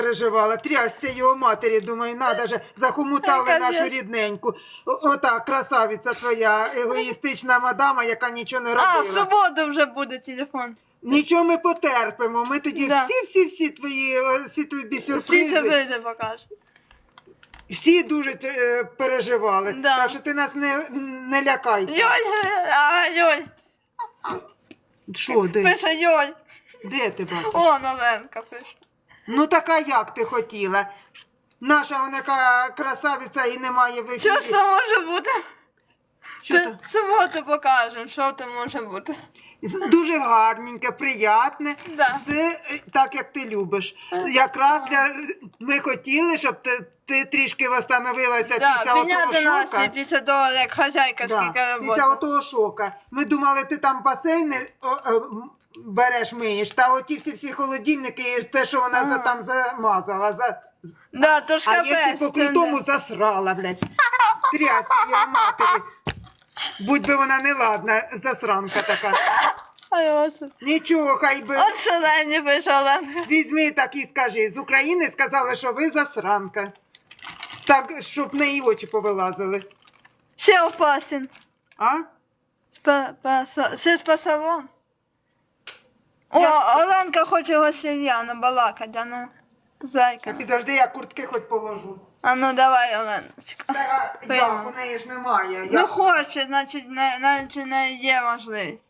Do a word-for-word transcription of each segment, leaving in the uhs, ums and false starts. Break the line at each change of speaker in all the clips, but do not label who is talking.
переживала, трясця його матері, думаю, надо же, захомутали нашу рідненьку. О- Отак, красавиця твоя, егоїстична мадама, яка нічого не
А, в
робила.
суботу вже буде телефон.
Нічого ми потерпимо, ми тоді
Да.
всі-всі-всі твої, е, всі тобі
Всі
сюрпризи,
сюрпризи покажуть.
всі дуже е, переживали.
Да.
Так що ти нас не, не лякай.
Йоль, а, Йоль,
Що, де?
пише Йоль.
Де ти бачиш?
О, Оленка пише.
Ну така як ти хотіла? Наша вона яка красавиця і немає в ефірі.
Що ж це може бути?
Що
Це
то?
в суботу покажемо, що це може бути.
Дуже гарненьке, приятне,
Да.
все е, так, як ти любиш. Якраз для ми хотіли, щоб ти, ти трішки восстановилася
Да,
після отого
підняти
шока.
настрій після того, як хазяйка
Да,
скільки
після
роботи.
отого шока. Ми думали, ти там басейни о, о, м, береш, миєш, та оті всі всі холодильники, і те, що вона за, там замазала. За...
Да, то ж
А
капець.
якщо по
це
крутому
не-
засрала, блядь. Трясти її матері. Будь би вона неладна, засранка така.
Ай, Господи.
Нічого, хай би.
От що Лені пише Оленка.
Візьми так і скажи. З України сказали, що ви засранка. Так, щоб в неї очі повилазили.
Ще опасен.
А?
Спа- паса- Ще з пасавом. О,
Я-
Оленка хоче Васильяна балакати, а ну,
Та
зайка.
підожди, я куртки хоч положу.
А ну давай, Оленочка.
Та як, у неї ж немає.
Ну
Я...
хоче, значить, не, значить не є можливість.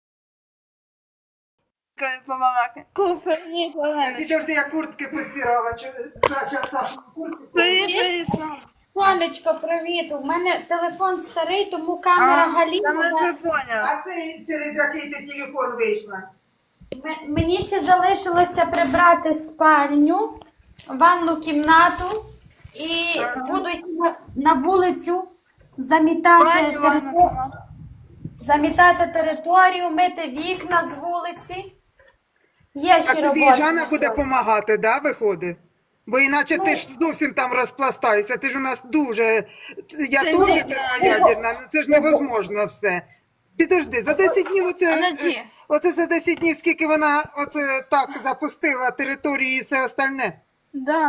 Побалакай. Купи, ні,
Та
Оленочка.
підожди, я куртки постирала. Чо- Зараз Сашу куртки.
Привіт, привіт, Сон.
Сонечко, привіт. У мене телефон старий, тому камера
Та ми
галімова.
вже поняли.
А це через який ти телефон вийшла?
М- Мені ще залишилося прибрати спальню, ванну кімнату і буду йти на- на вулицю замітати,
Пані
територ-
Іванна,
замітати територію, мити вікна з вулиці. Є
А
ще
тобі
робота.
Жанна
на
буде
сьогодні.
допомагати, да, виходить? Бо іначе ти ж зовсім там розпластаєшся, ти ж у нас дуже. Я
Ти
теж
ні,
термоядерна, ну це ж невозможно все. Підожди, за десять днів оце,
А на ті?
оце за десять днів, скільки вона оце так запустила територію і все остальне.
Да.